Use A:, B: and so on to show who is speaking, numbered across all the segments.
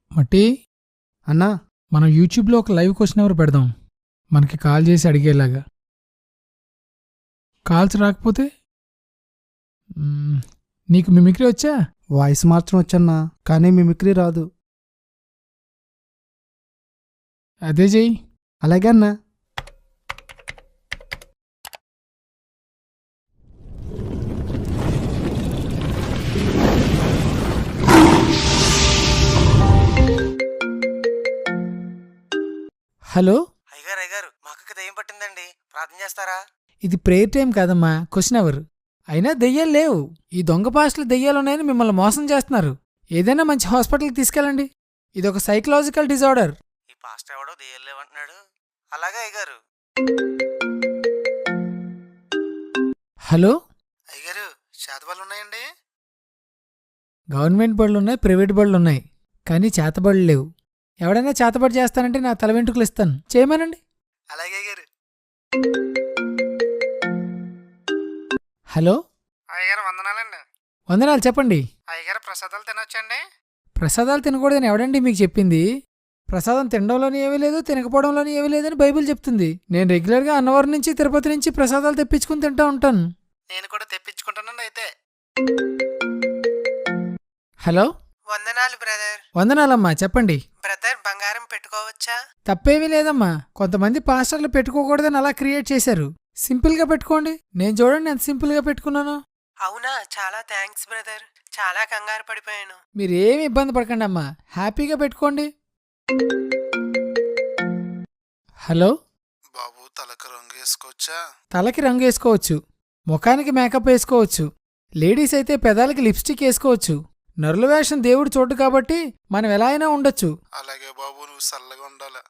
A: మట్టి
B: అన్నా
A: మనం యూట్యూబ్లో ఒక లైవ్ క్వశ్చన్ ఎవరు పెడదాం, మనకి కాల్ చేసి అడిగేలాగా. కాల్స్ రాకపోతే నీకు మిమిక్రీ వచ్చా?
B: వాయిస్ మార్చడం వచ్చన్నా, కానీ మిమిక్రీ రాదు.
A: అదే చెయ్యి.
B: అలాగే అన్నా.
A: హలో,
C: అయ్యగారు అయ్యగారు మా అక్కకి దెయ్యం పట్టిందండి, ప్రార్థన చేస్తారా?
A: ఇది ప్రేయర్ టైం కాదమ్మా, క్వశ్చన్ ఎవరు. అయినా దెయ్యాలు లేవు. ఈ దొంగ పాస్టులు దెయ్యాలున్నాయని మిమ్మల్ని మోసం చేస్తున్నారు. ఏదైనా మంచి హాస్పిటల్కి తీసుకెళ్ళండి. ఇదొక సైకలాజికల్ డిజార్డర్.
C: ఈ పాస్టర్ ఎవడో దెయ్యం లేవంటున్నాడు. అలాగే అయ్యగారు.
A: హలో,
C: అయ్యగారు శాతబళ్ళు ఉన్నాయండి?
A: గవర్నమెంట్ బడులున్నాయి, ప్రైవేట్ బడులున్నాయి, కానీ చేతబడులు లేవు. ఎవడైనా చేతబడి చేస్తానంటే నా తల వెంట్రుకలు ఇస్తాను, చేయమనండి.
C: అలాగే అయ్యగారు.
A: హలో,
C: అయ్యగారు వందనాలండి.
A: వందనాలు, చెప్పండి.
C: అయ్యగారు ప్రసాదాలు తినొచ్చండి?
A: ప్రసాదాలు తినకూడదని ఎవడండి మీకు చెప్పింది? ప్రసాదం తినడంలోని ఏమీ లేదు, తినకపోవడంలోని ఏమీ లేదని బైబిల్ చెప్తుంది. నేను రెగ్యులర్గా అన్నవరం నుంచి తిరుపతి నుంచి ప్రసాదాలు తెప్పించుకుని తింటూ ఉంటాను.
C: నేను కూడా తెప్పించుకుంటానండి అయితే.
A: హలో,
C: వందనాలు బ్రదర్.
A: వందనాలమ్మా, చెప్పండి.
C: బ్రదర్ బంగారం పెట్టుకోవచ్చా?
A: తప్పేమీ లేదమ్మా. కొంతమంది పాస్టర్లు పెట్టుకోకూడదని అలా క్రియేట్ చేశారు. సింపుల్గా పెట్టుకోండి. నేను చూడండి ఎంత సింపుల్గా పెట్టుకున్నాను.
C: అవునా, చాలా థ్యాంక్స్ బ్రదర్. చాలా కంగారు పడిపోయాను.
A: మీరేమి ఇబ్బంది పడకండి అమ్మా, హ్యాపీగా పెట్టుకోండి. హలో,
C: బాబు తలకు రంగు వేసుకోవచ్చా?
A: తలకి రంగు వేసుకోవచ్చు, ముఖానికి మేకప్ వేసుకోవచ్చు, లేడీస్ అయితే పెదాలకి లిప్స్టిక్ వేసుకోవచ్చు. నరుల వేషం దేవుడు చోటు కాబట్టి మనం ఎలా అయినా ఉండొచ్చు.
C: అలాగే బాబు, నువ్వు చల్లగా ఉండాలి.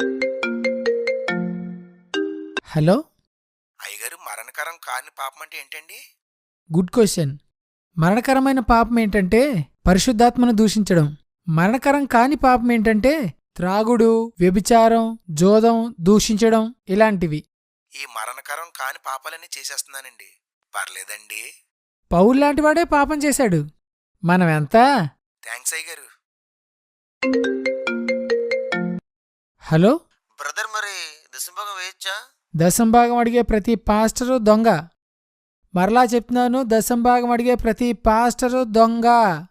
A: హలో,
C: అయ్యగారు మరణకరం కాని పాపం అంటే ఏంటండి?
A: Good question. మరణకరమైన పాపం ఏంటంటే పరిశుద్ధాత్మను దూషించడం. మరణకరం కాని పాపం ఏంటంటే త్రాగుడు, వ్యభిచారం, జోదం, దూషించడం ఇలాంటివి.
C: ఈ మరణకరం కాని పాపాలన్నీ చేసేస్తున్నానండి, పర్లేదండి?
A: పౌల్లాంటివాడే పాపం చేశాడు. మనం ఎంత?
C: థ్యాంక్స్ అయ్యగారు.
A: హలో,
C: బ్రదర్ మరి దశంభాగం వేయచ్చా?
A: దశంభాగం అడిగే ప్రతి పాస్టరు దొంగ. మరలా చెప్తున్నాను, దశంభాగం అడిగే ప్రతి పాస్టరు దొంగ.